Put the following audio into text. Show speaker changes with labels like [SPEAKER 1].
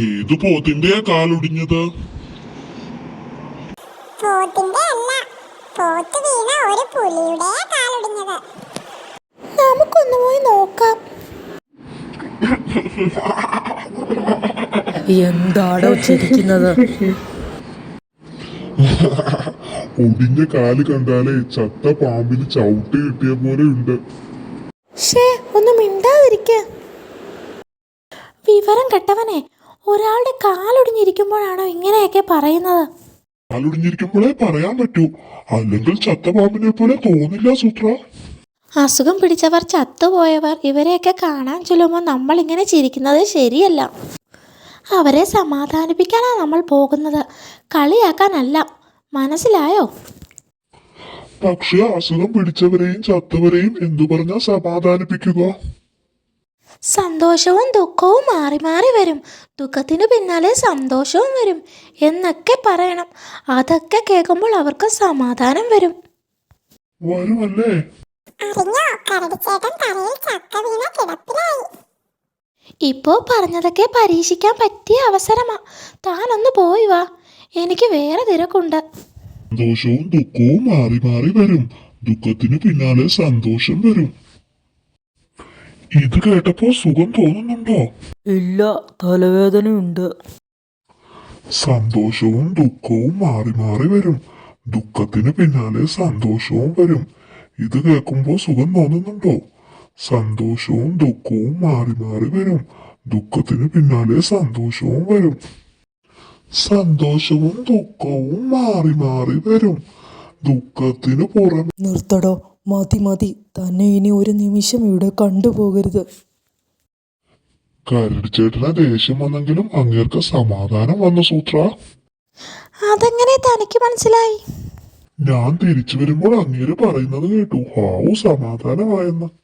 [SPEAKER 1] ഏത് പോത്തിന്റെയാ കാലൊടിഞ്ഞത്?
[SPEAKER 2] പോത്തിന്റെ അല്ല, പോത്ത് വീണ ഒരു പുലിയുടെയാ കാലൊടിഞ്ഞത്. നമുക്കൊന്ന് പോയി നോക്കാം.
[SPEAKER 3] എന്താടോ ചിരിക്കുന്നത്?
[SPEAKER 1] ഒടിഞ്ഞ കാല് കണ്ടാലേ ചത്ത പാമ്പിന് ചവിട്ട് കിട്ടിയ പോലെ ഉണ്ട്.
[SPEAKER 2] ഒന്ന് മിണ്ടാതിരിക്ക. വിവരം കെട്ടവനെ, ഒരാളുടെ കാലൊടിഞ്ഞിരിക്കുമ്പോഴാണോ ഇങ്ങനെയൊക്കെ പറയുന്നത്?
[SPEAKER 1] കാലൊടിഞ്ഞിരിക്കുമ്പോഴേ പറയാൻ പറ്റൂ, അല്ലെങ്കിൽ ചത്ത പാമ്പിനെ പോലെ തോന്നില്ല സൂത്ര.
[SPEAKER 2] അസുഖം പിടിച്ചവർ, ചത്തുപോയവർ ഇവരെയൊക്കെ കാണാൻ ചെല്ലുമ്പോൾ നമ്മൾ ഇങ്ങനെ ചിരിക്കുന്നത് ശരിയല്ല. അവരെ സമാധാനിപ്പിക്കാനാണ് നമ്മൾ പോകുന്നത്, കളിയാക്കാനല്ല. മനസ്സിലായോ?
[SPEAKER 1] പക്ഷെ അസുഖം പിടിച്ചവരെയും ചത്തവരെയും എന്തു പറഞ്ഞാ സമാധാനിപ്പിക്കുക?
[SPEAKER 2] സന്തോഷവും ദുഃഖവും മാറി മാറി വരും, ദുഃഖത്തിന് പിന്നാലെ സന്തോഷവും വരും എന്നൊക്കെ പറയണം. അതൊക്കെ കേൾക്കുമ്പോൾ അവർക്ക് സമാധാനം വരും.
[SPEAKER 1] വരുമല്ലേ?
[SPEAKER 2] ഇപ്പോ പറഞ്ഞതൊക്കെ പരീക്ഷിക്കാൻ പറ്റിയ അവസരമാ. താനൊന്ന് പോയി വാ, എനിക്ക് വേറെ തിരക്കുണ്ട്.
[SPEAKER 1] സന്തോഷവും ദുഃഖവും മാറി മാറി വരും, ദുഃഖത്തിന് പിന്നാലെ സന്തോഷം വരും. ഇത് കേട്ടപ്പോ സുഖം തോന്നുന്നുണ്ടോ?
[SPEAKER 3] ഇല്ല, തലവേദനയുണ്ട്.
[SPEAKER 1] സന്തോഷവും ദുഃഖവും മാറി മാറി വരും, ദുഃഖത്തിന് പിന്നാലെ സന്തോഷവും വരും. ഇത് കേൾക്കുമ്പോ സുഖം തോന്നുന്നുണ്ടോ? സന്തോഷവും ദുഃഖവും മാറി മാറി വരും, ദുഃഖത്തിന് പിന്നാലെ സന്തോഷവും വരും. സന്തോഷവും ദുഃഖവും മാറി മാറി വരും, ദുഃഖത്തിന് പുറമെ.
[SPEAKER 3] നിർത്തടോ, മതി മതി. തന്നെ ഇനി ഒരു നിമിഷം ഇവിടെ കണ്ടുപോകരുത്.
[SPEAKER 1] കരടിച്ചേട്ടന് ദേഷ്യം വന്നെങ്കിലും അങ്ങേർക്ക് സമാധാനം വന്നു സൂത്ര.
[SPEAKER 2] അതെങ്ങനെ തനിക്ക് മനസ്സിലായി?
[SPEAKER 1] ഞാൻ തിരിച്ചു വരുമ്പോൾ അങ്ങേര് പറയുന്നത് കേട്ടു, ഹാവു സമാധാനമായെന്ന്.